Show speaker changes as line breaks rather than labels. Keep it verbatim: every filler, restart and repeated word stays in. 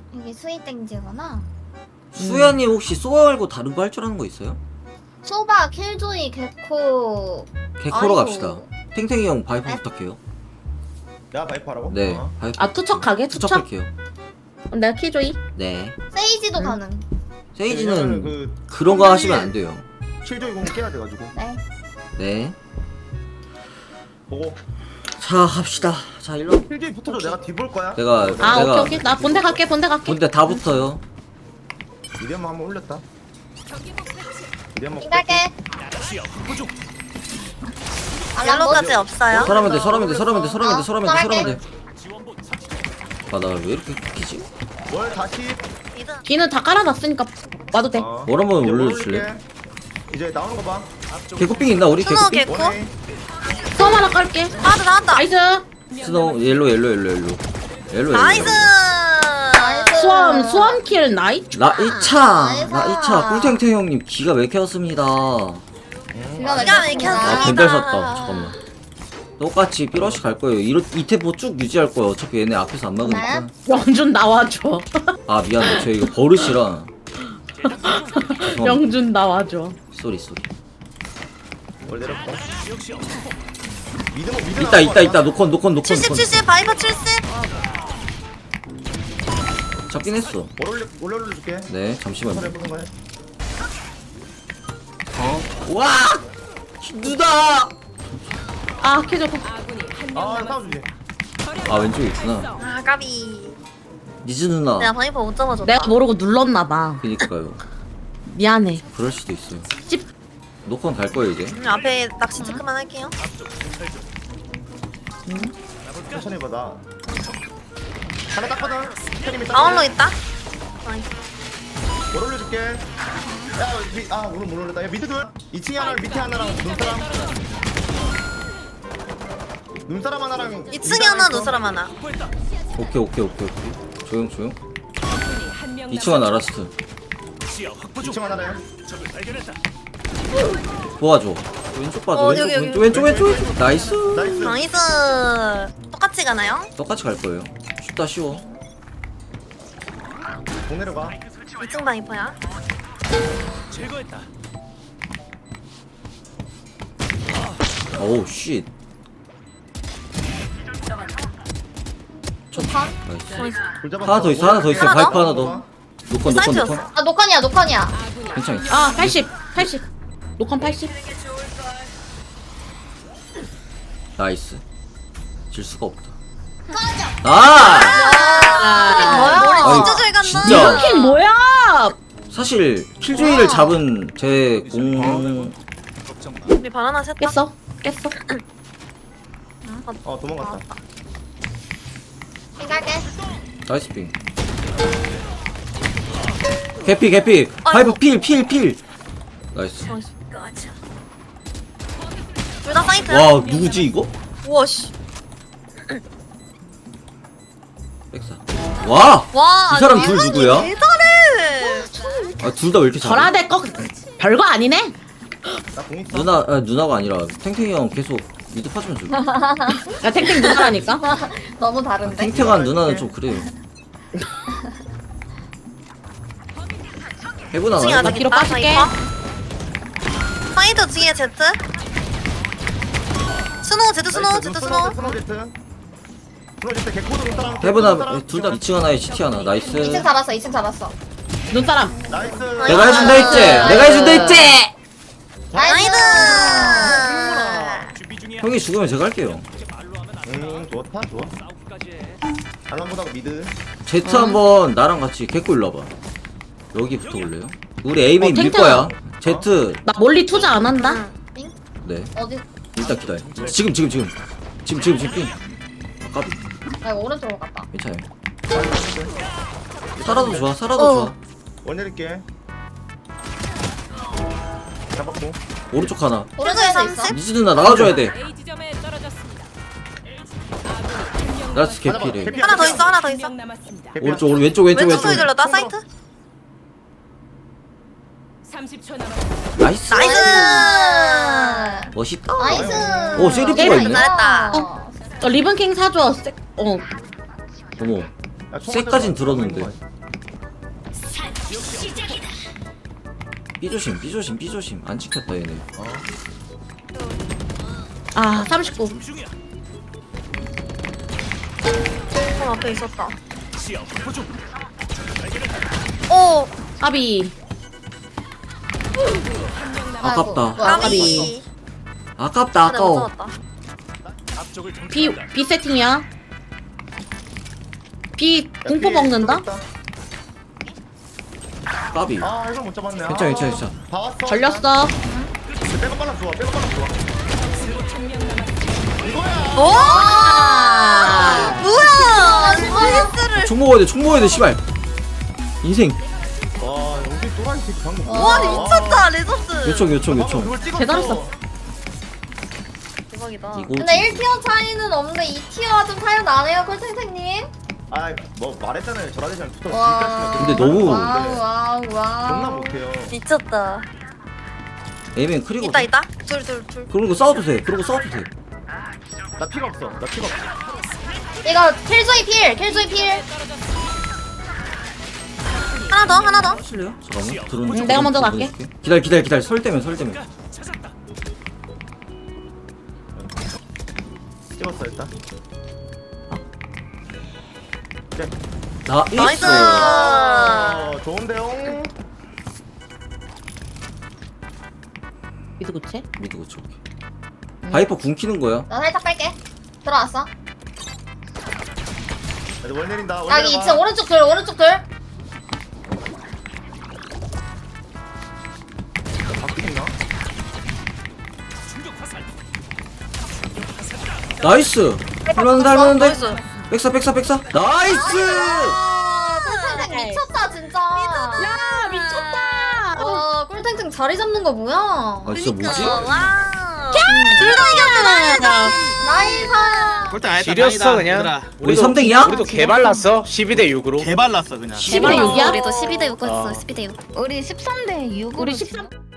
이게 스윗땡지구나.
수야님 혹시 소아 말고 다른 거 할 줄 아는 거 있어요?
소바, 킬조이, 개코.
개코로
아이고.
갑시다. 탱탱이 형 바이퍼
네?
부탁해요.
야 바이퍼라고?
네,
어.
바이퍼
아 투척하게? 투척?
투척할게요.
내가 키조이?
네.
세이지도
응.
가능.
세이지는
그
그런 거 하시면 안 돼요.
킬조이 공 깨야 돼가지고
네.
네.
보고
자, 갑시다. 자, 일로.
킬조이 붙어줘. 내가 뒤볼 거야.
내가
아
내가
오케이 오케이 나 본대 갈게 본대 갈게.
근데 다 붙어요.
미디엄 한번 올렸다. 미디엄 먹.
생각해.
옐로까지 없어요?
서라면 돼, 서라면 돼, 서라면 돼, 서라면 돼,
어,
서라면 돼, 서라면 돼.
서라게.
아, 나 왜 이렇게 키지?
월 다시.
이든
기는 다 깔아놨으니까 와도 돼.
어.
월 한번
이제
올려주실래?
올릴게. 이제 나오는 거 봐.
개코핑 있나 우리?
스노우
개코핑?
개코?
원에
수험 하나 깔게.
나왔다 나왔다
나이스.
스노우 옐로 옐로 옐로 옐로. 옐로
나이스
나이스.
수험 수험 킬 나이.
나 이 차.
나이스.
나 이 차. 꿀탱탱 형님 기가 막혔습니다.
기가
기가
막혔습니다.
아,
막혔습니다.
벤달 샀다. 잠깐만. 똑같이 삐러시 갈 거예요. 이로 이 템포 쭉 유지할 거예요. 어차피 얘네 앞에서 안 막으니까.
영준 나와줘.
아, 미안해. 저 이거 버릇이라. 죄송합니다.
영준 나와줘.
쏘리 쏘리.
월 내렸고. 미드 뭐 미드.
있다 있다 있다. 노컨 노컨 노컨
칠십
노컨.
칠십 바이퍼 칠십
잡긴 했어.
월 올려 올려 올려줄게.
네, 잠시만요.
해보는 거야.
어? 와! 누다!
아 키조.
아 싸워주지.
아, 왼쪽에 있구나.
아 까비
니즈 누나.
내가 바이퍼 못 잡아줬다
내가 모르고 눌렀나봐.
그니까요.
미안해.
그럴 수도 있어요.
찝.
노컨 갈 거예요, 이제.
음, 앞에 낚시 체크만 할게요
천천히 봐 나. 하나 땄거든. 스크림이 땄.
아울로 있다 나이스
월 올려줄게. 야, 미, 아 오늘 못 올렸다. 야 미드 둘. 이 층에 하나 밑에 하나랑 눈사람. 눈사람 하나랑.
이 층에 하나 눈사람 하나
오케이, 오케이, 오케이, 오케이. 조용, 조용. 이 층은 알았어.
이 층 하나래.
도와줘. 왼쪽 봐줘.
어,
왼쪽,
여기, 여기.
왼쪽, 왼쪽, 왼쪽, 왼쪽. 나이스.
나이스.
나이스 똑같이 가나요?
똑같이 갈 거예요. 쉽다, 쉬워.
공 내려가.
이 층 바이퍼야
오우, 쉿.
좋다.
나이스.
돌 잡았어.
하나 더 있어, 하나 더 있어.
하나
바이퍼
더?
하나 더. 노컨, 노컨, 노컨.
사이트였어
아, 노컨이야, 노컨이야.
괜찮아.
아 팔십 팔십. 녹화 팔십.
나이스. 질 수가 없다. 아!
아 머리
아니,
진짜 잘 간다
진짜.
킬 뭐야?
사실 킬조이를 잡은 제 공...
우리 바나나 셋다
깼어 깼어.
어 도망갔다.
생각해.
나이스 핑. 개피 개피. 파이브 필 필 필. 나이스.
둘 다 사이트야?
와, 누구지 이거?
우와 씨
백사. 와!
와,
이 사람
아니,
둘
이분이
누구야?
대단해.
아, 둘 다 왜 이렇게 잘해?
절하대 거 별거 아니네.
나공 있어.
누나, 아, 누나가 아니라 탱탱이 형 계속 미드 파주면 줄.
야 탱탱 누나라니까.
너무 다른데?
탱탱한 누나는 좀 그래요. 해보나
층에
나
아직
뒤로
있다.
빠질게.
바이퍼. 사이드 뒤에 제트. 스노우 제트 스노우 제트 스노우.
스노우 제트. 스노우 제트 개코도 눈사람.
해보나 둘 다 이 층 하나에 시티 하나. 나이스.
이 층 잡았어, 이 층 잡았어.
눈사람.
나이스.
내가 해준다 했지? 내가 해준다 했지?
나이스.
형이 죽으면 제가 할게요.
음 좋다 좋아. 알람보다 미드.
제트 한번 나랑 같이 개꿀 일로 와봐. 여기 붙어볼래요? 우리 A메인
어,
밀
탱탱아.
거야. 제트.
나 멀리 투자 안 한다.
응?
네.
어디?
일단 기다려. 지금 지금 지금. 지금 지금 지금 삥. 아, 까비.
나 이거 오른쪽으로 갔다.
괜찮아요. 살아도 좋아. 살아도
어.
좋아.
원 내릴게. 잡았고.
오른쪽 하나.
오른쪽에 있어.
삼십?
미즈 누나 나와줘야 돼.
A 지점에 떨어졌습니다.
나스 개피래.
개피
하나 더 있어 하나 더 있어.
명 남았습니다.
개피야.
오른쪽 오른 왼쪽 왼쪽
왼쪽
왼쪽.
소리 들렸다 사이트.
삼십 초 남았습니다.
나이스.
나이스.
멋있다.
나이스.
오, 세리프가
게임을
있네.
잘했다.
어 리본킹 사줘. 세- 어
어머.
야, 총
쇠까진
맞아서
들었는데.
맞는 거야.
B 조심 B 조심 B 조심 안 지켰다 얘네.
아 삼십구.
어 앞에 있었다. 오
아비.
아깝다.
아이고, 뭐야,
까비.
아깝다
근데 못
아까워.
잡았다.
B B 세팅이야. B 공포 먹는다.
까비.
아 이걸 못 잡았네.
괜찮아, 괜찮아, 괜찮아.
다 왔어.
걸렸어.
빼고 빨라 좋아. 빼고 빨라 좋아. 이거야.
오
아.
뭐야 스파이스를.
총 먹어야 돼총 먹어야 돼 씨발. 인생.
와 여기 또라이 새끼 방금.
와 미쳤다 레전드.
요청 요청 요청.
그걸 찍었어.
대단했어.
대박이다.
이거
근데 일 티어 차이는 없는데 이 티어가 좀 차이 나네요, 콜탱탱님.
아뭐 말했잖아요. 저라대장 붙어.
와.
근데 너무-
와우, 와우, 와우.
존나 못해요.
미쳤다.
에이맨 크리고.
있다 있다. 둘 둘 둘.
그러고 싸워도 돼. 그러고 싸워도 돼.
나 피가 없어. 나 피가 없어.
이거 킬조이 필, 킬조이 필.
하나 더 하나 더.
하실래요? 잠깐만. 드론.
응, 내가 먼저
드론
갈게.
보내줄게. 기다려 기다려 기다려. 설 때면 설 때면.
찍었어 일단.
나이스.
나이스.
어 좋은데요.
미드 고체.
미드 고쳐. 바이퍼 궁 키는 거야.
나 살짝 뺄게. 들어왔어.
이제 월 내린다. 월
여기
내려봐.
이 층 오른쪽 둘, 오른쪽 둘.
바뀌나?
나이스. 할만한데 할만한데.
나이스.
백사 백사 백사. 나이스.
아, 꿀탱탱 미쳤다, 진짜.
야 미쳤다.
와, 꿀탱탱 자리 잡는 거 뭐야?
아 진짜 뭐지?
와. 둘다 이겼다.
나이스.
꼴등 아니다.
지렸어 그냥.
우리 삼 등이야?
우리도 개발랐어. 십이 대 육으로.
개발랐어 그냥.
십이 대 육이야?
우리도 십이 대 육 했어.
어.
십이 대 육.
우리 십삼 대 육으로
우리 십삼.